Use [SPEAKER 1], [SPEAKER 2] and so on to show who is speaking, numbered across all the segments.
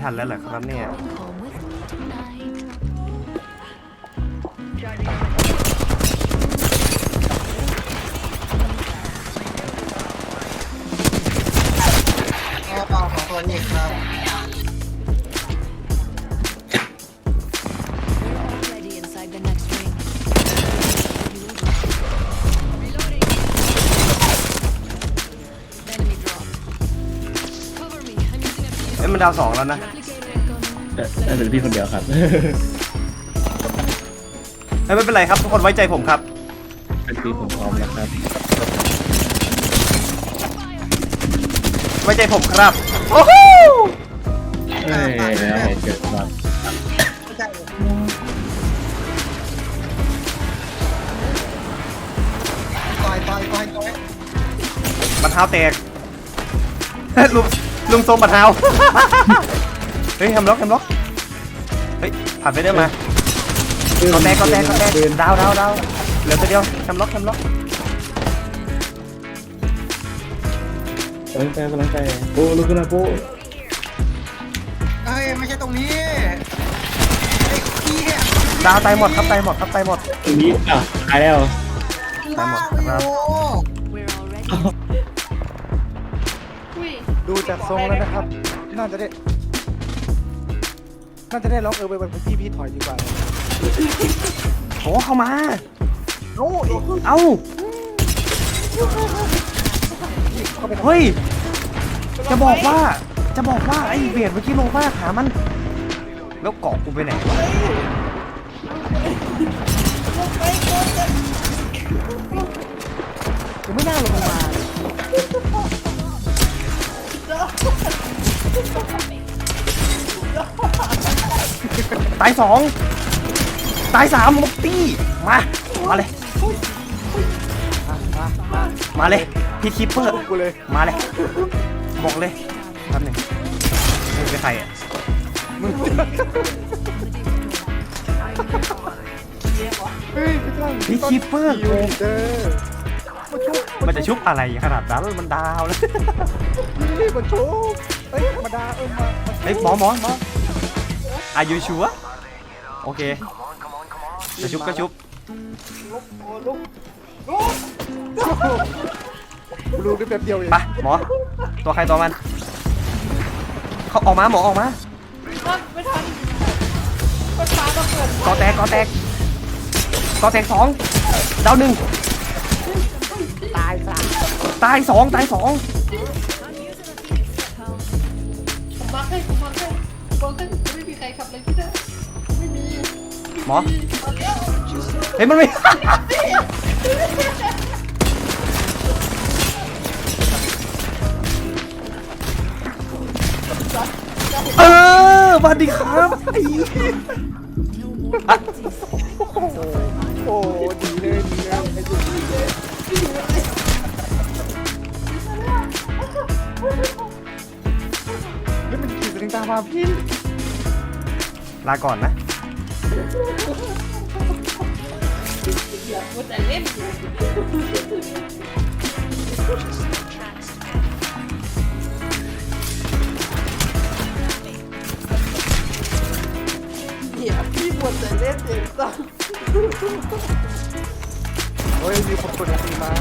[SPEAKER 1] นแล้วเหรอครับเนี่ย
[SPEAKER 2] เปล่าของตัวนี้ครับ
[SPEAKER 1] เอ้ยมันดาว2แล้วนะ
[SPEAKER 3] น่าจะพี่คนเดียวครับ
[SPEAKER 1] ไม่เป็นไรครับทุกคนไว้ใจผมครับ
[SPEAKER 3] เป็นพี่ผมพร้อมแล้วครับ
[SPEAKER 1] ไว้ใจผมครับโอ้โห
[SPEAKER 3] เกิดมา
[SPEAKER 2] ต่อย
[SPEAKER 1] บัตรเท้าแตกลุงทรงบัตรเท้าเฮ้ยแฮมล็อกเฮ้ยผ่านไปได้มาก็แตกดาวเหลือตัวเดียวแฮมล็อก
[SPEAKER 3] กำลังใจโอ้ลูกนะโป้
[SPEAKER 2] เฮ้ยไม่ใช่ตรงนี้ไอ้ขี้เนี่ย
[SPEAKER 1] ดาวตายหมดครับตายหมด
[SPEAKER 3] ตรงนี้ตายแล้ว
[SPEAKER 1] ตายหมดครับ
[SPEAKER 4] ดูจากทรงแล้วนะครับน่าจะได้ล็อกไปพี่ถอยดีกว่า
[SPEAKER 1] โอ้เข้ามา
[SPEAKER 4] โอ้
[SPEAKER 1] เอ้าเฮ้ยจะบอกว่าไอ้เบียดเมื่อกี้ลงมาหามันแล้วเกาะกูไปไหนวะ
[SPEAKER 4] ยังไม่น่าลงมา
[SPEAKER 1] ตาย2ตาย3มุกตี้มาเลยพี่คิปเปอร์
[SPEAKER 4] กูเลย
[SPEAKER 1] มาเลยบอกเลยแป๊บหนึงมึงเป็นใครอ่ะพี่คิปเปอร์
[SPEAKER 4] ยูนิเตอร์
[SPEAKER 1] มันจะชุบอะไรขนาดนั้นมันดาวแล้ว
[SPEAKER 4] นี่มันชุบเฮ้ยมาดามา
[SPEAKER 1] เฮ้ยหมออายุชัวโอเคจะชุบก็ชุบ
[SPEAKER 4] รู้ได้แบบเดียวเอง
[SPEAKER 1] ไปหมอตัวใครตัวมันเขาออกมาหมอออกมาไม่ทันกอแตก2ดาว1ตาย2
[SPEAKER 5] ผมมาให้ไม่มีใครขับเลยพี่นะไม่มี
[SPEAKER 1] หมอเฮ้ยมันไม่สวัสดีครับ
[SPEAKER 4] โอ้ดีเลยไอ้จุ๊บนี่มันขี่สลิงตามมาพี่
[SPEAKER 1] ลาก่อนนะ
[SPEAKER 5] อย่าพูดแต่เล่นอย่าพี่พูดแต่เล่นเด็กสัง
[SPEAKER 4] เฮ้ยมีคนตีมา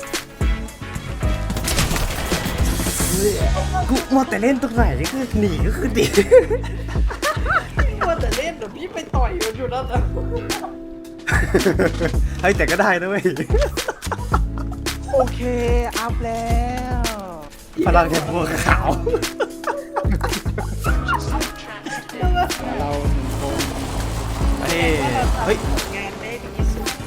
[SPEAKER 1] กูมัวแต่เล่นตรงไหนนี่คือหนีก็คือดี
[SPEAKER 5] พูดแต่เล่นเดี๋ยวพี่ไปต่อยมันอยู่นั่นนะ
[SPEAKER 1] เฮ้ยแต่ก็ได้นะเว้ย
[SPEAKER 4] โอเคอัพแล้ว
[SPEAKER 1] พลังแห่งบัวขาว
[SPEAKER 4] เรา1 คน
[SPEAKER 1] เฮ้ย
[SPEAKER 5] งานได้ดีสุด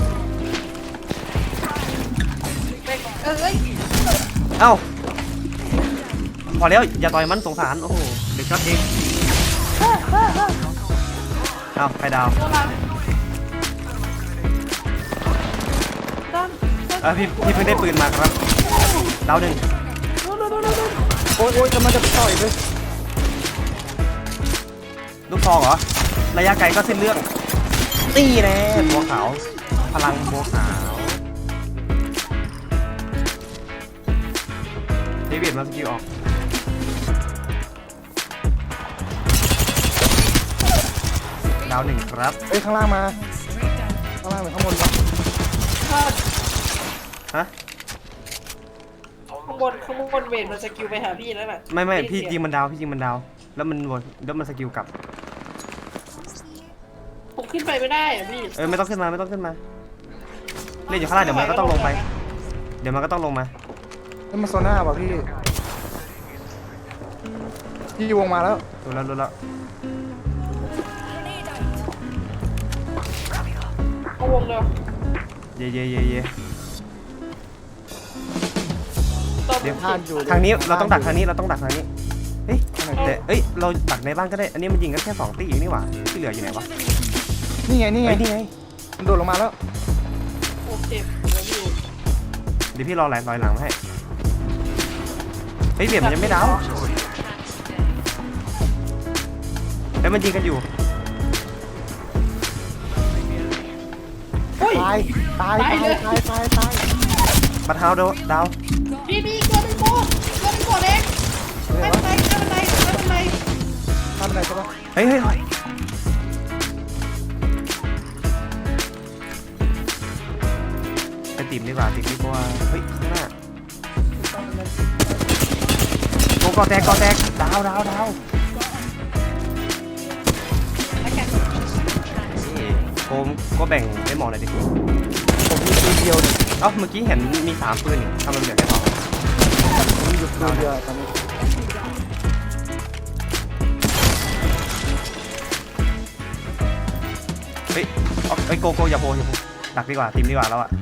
[SPEAKER 5] เอ้ย
[SPEAKER 1] เอ้าพอแล้วอย่าต่อยมันสงสารโอ้โหเด็กช็อตเองเอ้าใครดาวพี่เพิ่งได้ปืนมาครับดาว1
[SPEAKER 4] โอ้ยกำลังจะต่อยเลย
[SPEAKER 1] ลูกทองเหรอระยะไกลก็เส้นเรื่องนี่แน่บัวขาวพลังบัวขาวเดวิดมาสกิลออกดาวหนึ่งครับ
[SPEAKER 4] เฮ้ยข้างล่างมาข้างล่างหรือข้างบนวะ
[SPEAKER 1] ฮะ
[SPEAKER 5] ข้างบนเวทมันสกิลไปหาพี่แล้วน่ะ
[SPEAKER 1] ไม่พี่ยิงมันดาวแล้วมันสกิลกลับ
[SPEAKER 5] ผมขึ้นไปไม่ได้อะพี่
[SPEAKER 1] ไม่ต้องขึ้นมาเล่นอยู่ข้างล่างเดี๋ยวมันก็ต้องลงไป
[SPEAKER 4] นี่มันโซน่าป่ะพี่วงมาแล้ว
[SPEAKER 1] รู้แล้ว
[SPEAKER 5] เอาวงเดียว
[SPEAKER 1] เย่
[SPEAKER 5] ตอน
[SPEAKER 1] เดี๋ยว
[SPEAKER 4] พลาดอยู่
[SPEAKER 1] ทางนี้เราต้องดักทางนี้เฮ้ยแต่เราดักในบ้านก็ได้อันนี้มันยิงกันแค่2 ตีเองนี่หว่าที่เหลืออยู่ไหนวะ
[SPEAKER 4] นี่ไง
[SPEAKER 1] นี่ไง
[SPEAKER 4] มันโดดลงมาแล้ว
[SPEAKER 5] โอเคเดี๋ยวอยู่
[SPEAKER 1] เดี๋ยวพี่รอลอยหลังมาให้เฮ้ยเบียดมันยังไม่ดาวแล้วมันยิงกันอยู่
[SPEAKER 4] ตาย
[SPEAKER 1] บัตรเท้าดาว
[SPEAKER 5] พี่เกินไปโคตรเองไม่เป็นไร
[SPEAKER 4] ข้ามไปไหนใช่ปะ
[SPEAKER 1] เฮ้ยไปติ่มดีกว่าเฮ้ยข้างหน้ากอแตกดาวโคมก็แบ่งได้หมอหน่อยดิ
[SPEAKER 4] ผมมีปืนเดียวเนี่ย
[SPEAKER 1] เอ้าเมื่อกี้เห็นมี3 ปืนนี่ทำไมเหลือแค่2
[SPEAKER 4] ผมมีอยู่ปืนเดียวตอนนี้
[SPEAKER 1] เฮ้ยโกอย่าโบดักดีกว่าทีมดีกว่าแล้วอะ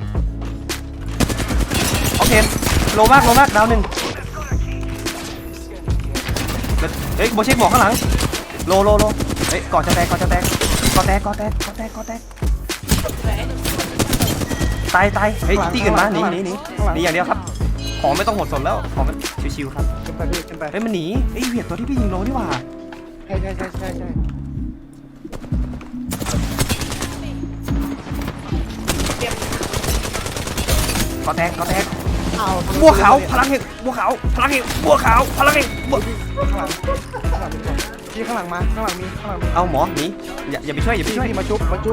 [SPEAKER 1] โอเคโลมากดาวหนึ่งเฮ้ยโบเช็คบอกข้างหลังโลเฮ้ยก่อนจะแตกตายเฮ้ยตีอื่นมาหนีอย่างเดียวครับของไม่ต้องหดสนแล้วของมันชิวๆครับ
[SPEAKER 4] ขึ้นไปพี่ขึ้นไป
[SPEAKER 1] เฮ้ยมันหนีเฮ้ยเวียดตัวที่พี่ยิงโลนี่หว่า
[SPEAKER 4] ใช่
[SPEAKER 1] ก่อแตก
[SPEAKER 4] อ้าว
[SPEAKER 1] บัวขาวพลังแห่งบัวขาวพลังแห่งบัวขาวพลังแห่งบัว
[SPEAKER 4] ข้างหลังพี่ข้างหลังมาข้างหลังมี
[SPEAKER 1] เอาหมอหนีอย่าไปช่วย
[SPEAKER 4] พี่มาชุบกู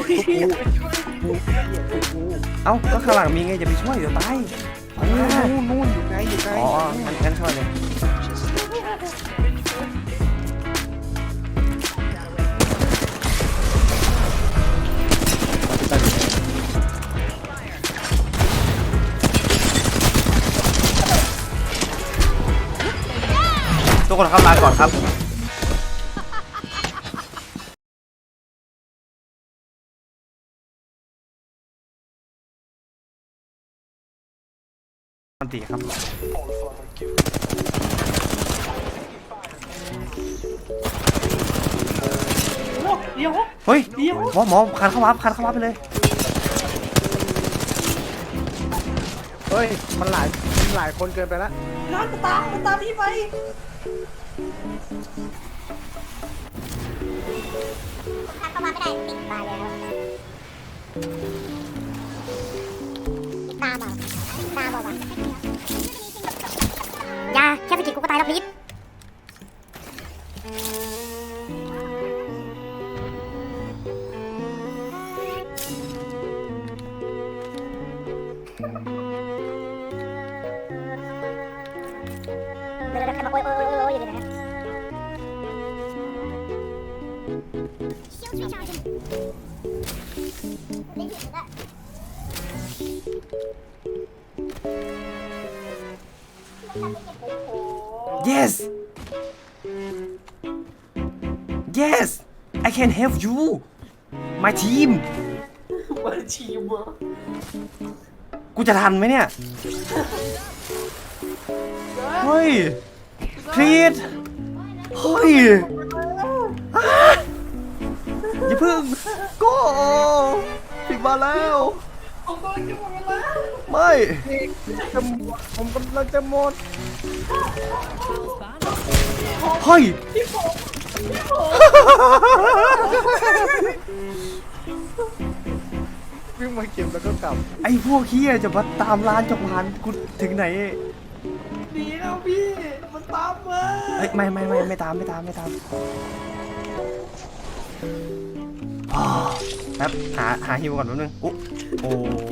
[SPEAKER 1] เอ้าก็ข้างหลังมีไงอย่าไปช่วยเดี๋ยวตาย
[SPEAKER 4] นู่นอยู่ไกล
[SPEAKER 1] อ๋องั้นช่วยเลยทุกคนครับลาก่อนครับอันตีครับ
[SPEAKER 5] เดี๋ยว
[SPEAKER 1] เฮ้ยหมอคันเข้าวับไปเลย
[SPEAKER 4] เฮ้ยมันหลายคนเกินไปแล้ว
[SPEAKER 5] น้ำมันตามพี่ไป
[SPEAKER 6] เข้ามาไม่ได้ติดตายแล้วตามบอกว่ายาแค่สกิลกูก็ตายแล้วพีทเดี๋ยวมาโอ้ยอยู่เลยนะ
[SPEAKER 1] yes I can help you my team
[SPEAKER 5] มาชีมเหรอ
[SPEAKER 1] กูจะทันไหมเนี่ยเฮ้ยพีทเฮ้ยอย่าพึ่งก็ถึงมาแล้ว
[SPEAKER 5] ผมกำลังจะหมดเวลา
[SPEAKER 1] ไม่
[SPEAKER 4] ผมกำลังจะหมด
[SPEAKER 1] เฮ้ย
[SPEAKER 4] วิ่งมาเก็บแล้วก็กลับ
[SPEAKER 1] ไอ้พวกเฮียจะมาตามร้านจะผ่านกูถึงไหน
[SPEAKER 5] ดีแล้วพี่ มันตามมา
[SPEAKER 1] เฮ้ยไม่ตามแป๊บหาฮิวก่อนแป๊บนึงโอ้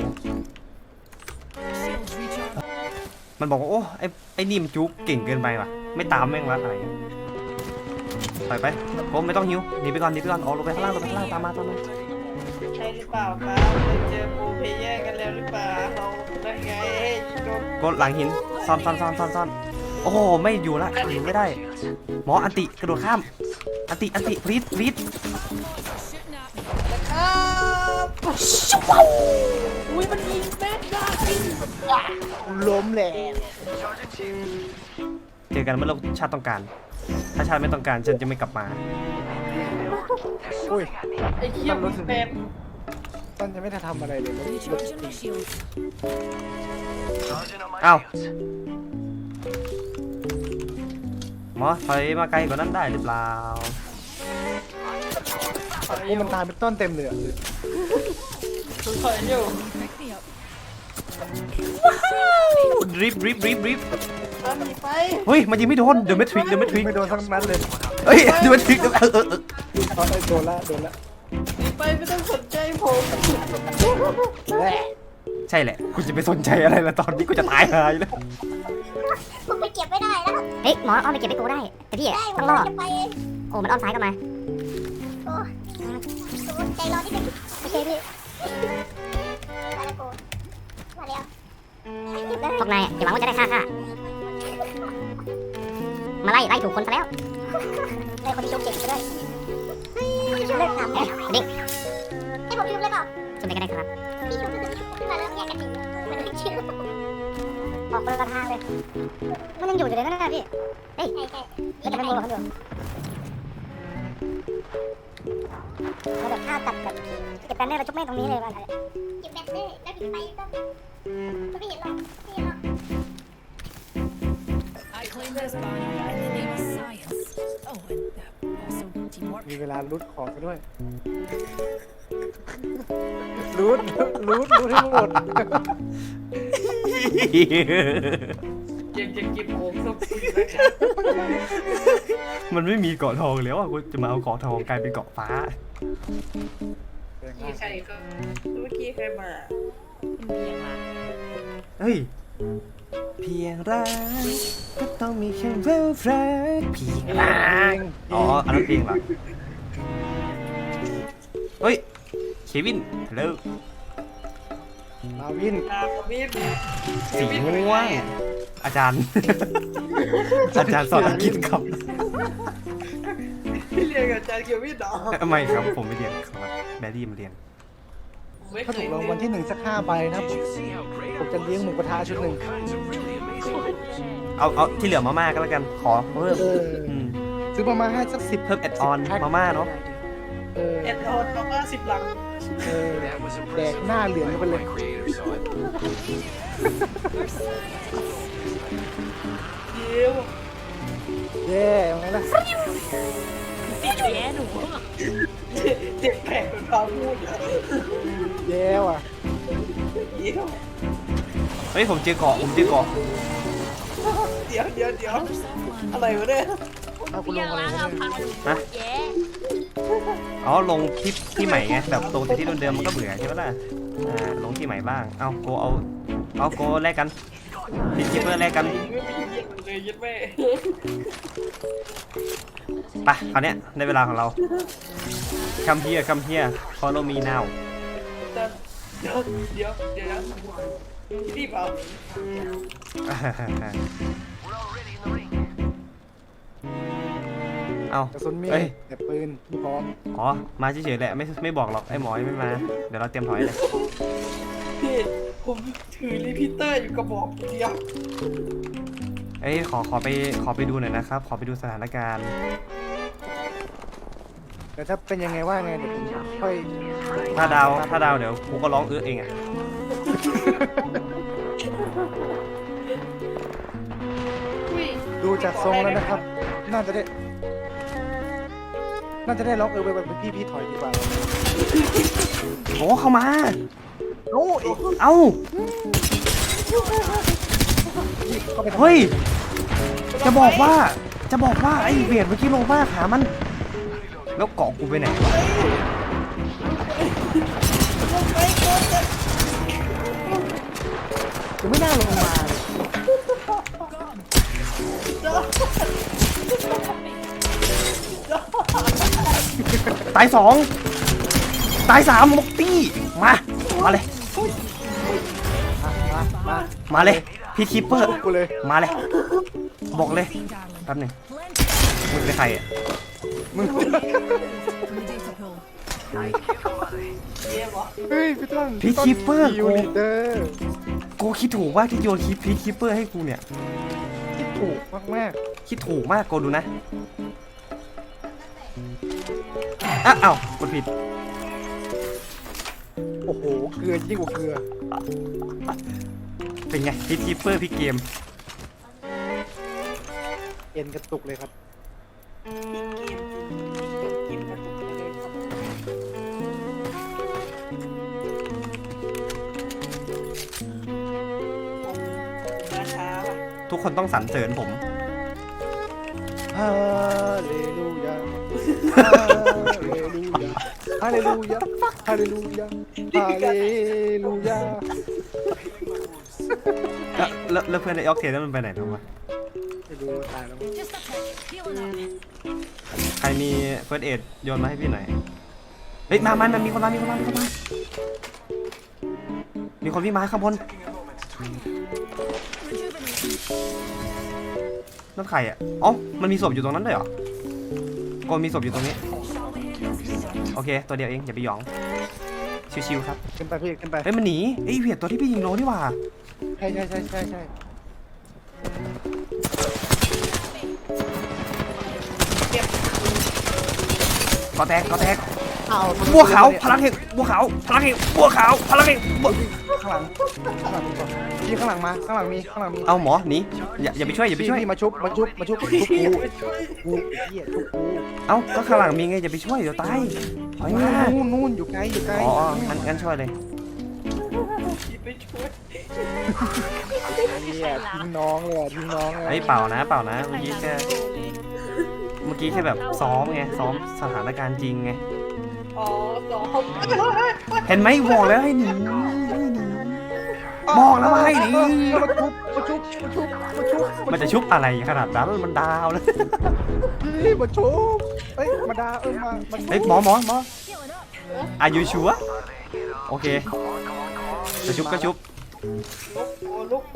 [SPEAKER 1] มันบอกว่าโอ้ไอ้นี่มันจุ๊บเก่งเกินไปว่ะไม่ตามแม่งวะอะไรถอยไปโอ้ไม่ต้องฮิวหนีไปก่อนอ๋อลงไปข้างล่างตามมา
[SPEAKER 5] ใช่หรือเปล่าครับเคยเจอโปรเพลเยอร์กันแล้วหรือเปล่าเราได้ไงโดน
[SPEAKER 1] ก็หลังหินซ่อนโอ้โหไม่อยู่ละหินไม่ได้หมออันติกระโดดข้ามอันติพลีด
[SPEAKER 5] ครับอุ้ยมันยิงแม่นได้
[SPEAKER 4] ล้มแหละ
[SPEAKER 1] เจอกันเมื่อชาติต้องการถ้าชาติไม่ต้องการฉันจะไม่กลับมา
[SPEAKER 4] อุ้ย
[SPEAKER 5] ไอ้เหี้ยมันเป็น
[SPEAKER 4] ต้นจะไม่ได้ทำอะไรเลยมันรถติด
[SPEAKER 1] เอ้าหมอถอยมาไกลกว่านั้นได้หรือเปล่า
[SPEAKER 5] ถอย
[SPEAKER 4] โอ้มันตายเป็นต้นเต็มเลยอะ
[SPEAKER 5] อยู่
[SPEAKER 1] รีบ
[SPEAKER 5] เอาหนีไป
[SPEAKER 1] เฮ้ยมันยิงไม่โดนเดอะแมทริก
[SPEAKER 4] ไม่โดนทั้งนั้นเลย
[SPEAKER 1] เฮ้ยเดอะแมทริก
[SPEAKER 4] เอาไอ้โดนละ
[SPEAKER 5] หนีไปไม่ต้องสนใจผม
[SPEAKER 4] แหละ
[SPEAKER 1] ใช่แหละกูจะไปสนใจอะไรละตอนนี้กูจะตายหายแล้ว
[SPEAKER 6] ผมไปเก็บไม่ได้แล้วเฮ้ยหมออ้อมไปเก็บไปกูได้แต่พี่ต้องรอดโอ้มันอ้อมซ้ายกลับมาโอ้ใจร้อนนิดนึงโอเคพี่มาแล้วกูมาแล้วพวกนายอย่าหวังว่าจะได้ฆ่ามาไล่ถูกคนซะแล้วได้คนที่ชุบเจ็บไปด้วยเลิกทำดิ้งให้ผมชุบเลยเปล่าชุบไปก็ได้ครับพี่ชุบขึ้นมาแล้วแยกกันอยู่มันไม่เชื่อออกคนละทางเลยมันยังอยู่เลยนะพี่เฮ้ยแล้วจะไม่โมเราเขาอยู่เราแบบฆ่าตัดแบบเก็บแบนเนอร์เราชุบแม่งตรงนี้เลยว่าเก็บแบนเนอร์แล้วถึงไปก็ไม่เห็นหรอก
[SPEAKER 7] I claim this body in the name of science. Oh, and also teamwork.
[SPEAKER 4] มีเวลารูดของกันด้วยรูดให้หมด
[SPEAKER 5] ยังจะเก็บผมสักทีนะครับ
[SPEAKER 1] มันไม่มีเกาะทองแล้วอ่ะกูจะมาเอาเกาะทองกลายเป็นเกาะฟ้า
[SPEAKER 5] มีใครก็เมื่อกี้ใครมา
[SPEAKER 1] เฮ้ยเพียงรักก็ต้องมีแค่เวลแฟร์เพียงรักอ๋ออันนั้นเพลงเหรอเฮ้ยเควินฮัลโหล
[SPEAKER 4] มาวิน
[SPEAKER 5] ตาคอมมิต
[SPEAKER 1] สีม่วงอาจารย์ อาจารย์สอนอังกฤษครับ
[SPEAKER 5] พี่เรียนกับอาจารย์เกียววิทย์เหรอ
[SPEAKER 1] ไม่ครับผมไม่เรียนครับแบรี่มาเรียน
[SPEAKER 4] ถ้าถูกรางวัลที่1สัก5ใบนะครับผมจะเลี้ยงหมูกระทะชุดหนึ่ง
[SPEAKER 1] เอาที่เหลือมาม่าก็แล้วกันขอเพิ่มม
[SPEAKER 4] ซื้อประมาณให้สัก10
[SPEAKER 1] เพิ่มแอดออนมาม่าเนาะ
[SPEAKER 5] เอ็ดออนประมาณ10 หลัง
[SPEAKER 4] แดกหน้าเหลืองกันไปเลย
[SPEAKER 5] เดี๋ยว
[SPEAKER 4] เย้ยังไงล่ะ
[SPEAKER 5] เจ็บแขกเป็นพาพูดอะ
[SPEAKER 4] เย้ว่ะ
[SPEAKER 5] เดี๋ยว
[SPEAKER 1] เฮ้ยผมเจอเกาะ
[SPEAKER 5] เดี๋ยวอะไรวะเนี่ย
[SPEAKER 4] เอาคุณลงอะไรเนี่ย
[SPEAKER 1] ฮะอ๋อลงคลิปที่ใหม่ไงแบบตรงแต่ที่เดิมๆมันก็เบื่อใช่ไหมล่ะลงที่ใหม่บ้างเอาโกเอาโกแลกกันพิชิตเพื่อแลกกัน
[SPEAKER 5] ไม่มีเย็นเลยยัดแม่
[SPEAKER 1] ไปคราวเนี้ยในเวลาของเรา come here follow me now
[SPEAKER 5] เดี๋ยวนะที่เปล่า
[SPEAKER 1] เอา
[SPEAKER 4] กระสุนมี
[SPEAKER 1] เอ้ย
[SPEAKER 4] แต่ปืนมีพร้อม
[SPEAKER 1] อ๋อมาเฉยๆแหละไม่บอกหรอกไอ้หมอยังไม่มาเดี๋ยวเราเตรียมถอยเลย
[SPEAKER 5] พี่ผมถือรีพิเตอร์อยู่กระบอกเดียว
[SPEAKER 1] เอ้ยขอไปดูหน่อยนะครับขอไปดูสถานการณ์
[SPEAKER 4] แต่ถ้าเป็นยังไงว่าไงเดี๋ยวผมค่อย
[SPEAKER 1] ถ้าดาวเดี๋ยวกูก็ร้องเองอ่ะ
[SPEAKER 4] ดูจากทรงแล้วนะครับ น่าจะได้ล็อกไปแบบพี่ถอยดีกว่า
[SPEAKER 1] โอ้เข้ามา
[SPEAKER 4] โอ้ย
[SPEAKER 1] เอ้า
[SPEAKER 4] เข้าไปทำไม
[SPEAKER 1] เฮ้ยจะบอกว่าไอ้เบียดเมื่อกี้ลงมากหามันแล้วเกาะกูไปไหนวะ
[SPEAKER 5] ลงไปโคตรจะ
[SPEAKER 4] ยังไม่น่าลงมาเลย
[SPEAKER 1] ตายสองตายสามมกตี้มาเลย
[SPEAKER 4] มา
[SPEAKER 1] มาเลยพี่คิปเปอร์
[SPEAKER 4] กูเลย
[SPEAKER 1] มาเลยบอกเลย
[SPEAKER 7] Darling.
[SPEAKER 1] แป๊บหนึงมึงเป็นใครอ่ะ
[SPEAKER 4] มึง
[SPEAKER 7] Data pool.
[SPEAKER 4] เฮ้ยพี่ต้น
[SPEAKER 1] พี่คิปเปอร์
[SPEAKER 4] ยูนิเตอร์
[SPEAKER 1] กูคิดถูกว่าที่โยนพี่คิปเปอร์ให้กูเนี่ย
[SPEAKER 4] ที่ถูกมาก
[SPEAKER 1] คิดถูกมากโกดูนะอ้าวกดผิด
[SPEAKER 4] ๆโอ้โหเกลือยิ่งกว่าเกลือ
[SPEAKER 1] เป็นไงพี่คิปเปอร์พี่เกม
[SPEAKER 4] เอ็นกระตุกเลยครับ
[SPEAKER 5] กินกระตุกไปเลยครับราคาว่ะ
[SPEAKER 1] ทุกคนต้องสรรเสริญผม
[SPEAKER 4] ฮาเลลูยา ฮาเลลูยา ฮาเลลูยา ฮาเลลูยา
[SPEAKER 1] แล้วเพื่อนไอ้ออกเทนนั้นมันไปไหนแล้ววะ
[SPEAKER 4] ไม่รู้ตายแล้ว
[SPEAKER 7] Just a touch. Healing up.
[SPEAKER 1] ใครมีเฟิร์สเอ็ดโยนมาให้พี่หน่อยเฮ้ยมันมีคนมามีคนวิ่งมาข้างบน
[SPEAKER 7] Rejuvenate.
[SPEAKER 1] นั่นใครอ่ะอ๋อมันมีศพอยู่ตรงนั้นด้วยเหรอโกมีศพอยู่ตรงนี้โอเคตัวเดียวเองอย่าไปหยองชิวๆครับ
[SPEAKER 4] ขึ้นไปพี่ขึ้นไป
[SPEAKER 1] เฮ้ยมันหนีไอ้เวียดตัวที่พี่ยิงโลนี่หว่า
[SPEAKER 4] ใช่
[SPEAKER 1] ก็แตก
[SPEAKER 4] อ้าว
[SPEAKER 1] บัวขาวพลังแห่งบัวขาวพลังแห่งบัวขาวพลังแห่งบัว
[SPEAKER 4] ข้างหลังมีก่อนพี่ข้างหลังมาข้างหลังมี
[SPEAKER 1] เอาหมอหนีอย่าไปช่วยอย่าไปช่วย
[SPEAKER 4] พี่มาชุบกูไอ้เหี้ยชุบกู
[SPEAKER 1] เอ้าก็ข้างหลังมีไงอย่าไปช่วยเดี๋ยวตายถอยมา
[SPEAKER 4] นู่นอยู่ไกล
[SPEAKER 1] อ๋องั้นช่วยเลย
[SPEAKER 5] ไปช่วย
[SPEAKER 4] เนี่ยทิ้งน้องเลยทิ้งน้องเลย
[SPEAKER 1] เฮ้ยเปล่านะเมื่อกี้แค่แบบซ้อมไงซ้อมสถานการณ์จริงไง
[SPEAKER 5] อ๋อสอง
[SPEAKER 1] เห็นไหมบอกแล้วให้หนีบอกแล้วว่าให้หนี
[SPEAKER 4] มาชุบ
[SPEAKER 1] มันจะชุบอะไรขนาดนั้นมันดาวเลย
[SPEAKER 4] พี่มาชุบเฮ้ยมาดามา
[SPEAKER 1] เฮ้ยหมอ
[SPEAKER 7] Healing up.
[SPEAKER 1] อายุชัวโอเคจะชุบก็ชุบ
[SPEAKER 5] ลุก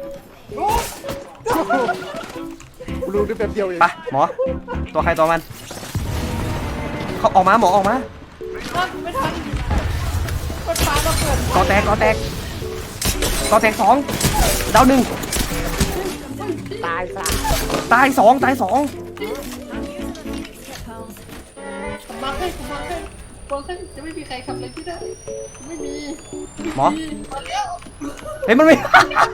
[SPEAKER 4] กูรู้ได้แป๊บเดียวเอง
[SPEAKER 1] ไปหมอตัวใครตัวมันเขาออกมาหมอออกมา
[SPEAKER 5] ไม่ทันมันปาระเบิด
[SPEAKER 1] กอแตกสองดาวหนึ่ง
[SPEAKER 4] ตายซะ
[SPEAKER 1] ตายสอง
[SPEAKER 7] I'm using a Phoenix kit, pals.
[SPEAKER 5] ผมมาให้บอกให้จะไม่มีใครทำอะไรที่ได้ไม่มี
[SPEAKER 1] หมอ
[SPEAKER 5] มาแล้ว
[SPEAKER 1] เฮ้ยมันไม่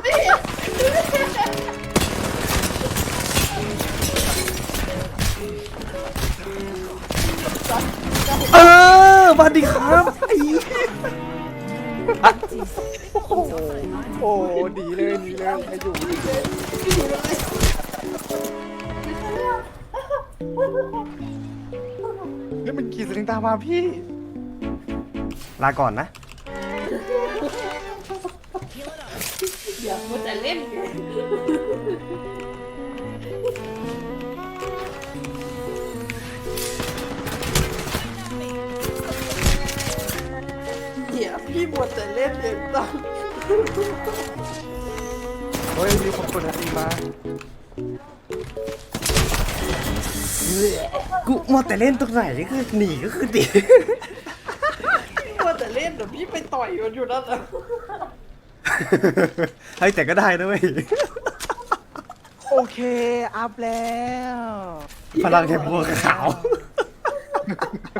[SPEAKER 1] สวัสดีครับไอ้
[SPEAKER 4] โอ้ดีเลยให้อยู่แล้วมันขี่สลิงตามมาพี่
[SPEAKER 1] ลาก่อนนะ
[SPEAKER 5] อย่ามัวแต่เล่นไงเดี๋ยวพี่มัวแต่เล่นเองต้อง
[SPEAKER 4] เฮ้ยมีคนกดตีมา
[SPEAKER 1] กูมัวแต่เล่นตรงไหนก็คือหนีก็คือดี
[SPEAKER 5] มัวแต่เล่นเดี๋ยวพี่ไปต่อยมันอยู่นั่นแหละ
[SPEAKER 1] เฮ้ยแต่ก็ได้นะเว้ย
[SPEAKER 4] โอเคอัพแล้ว
[SPEAKER 1] พลังแห่งบัวขาว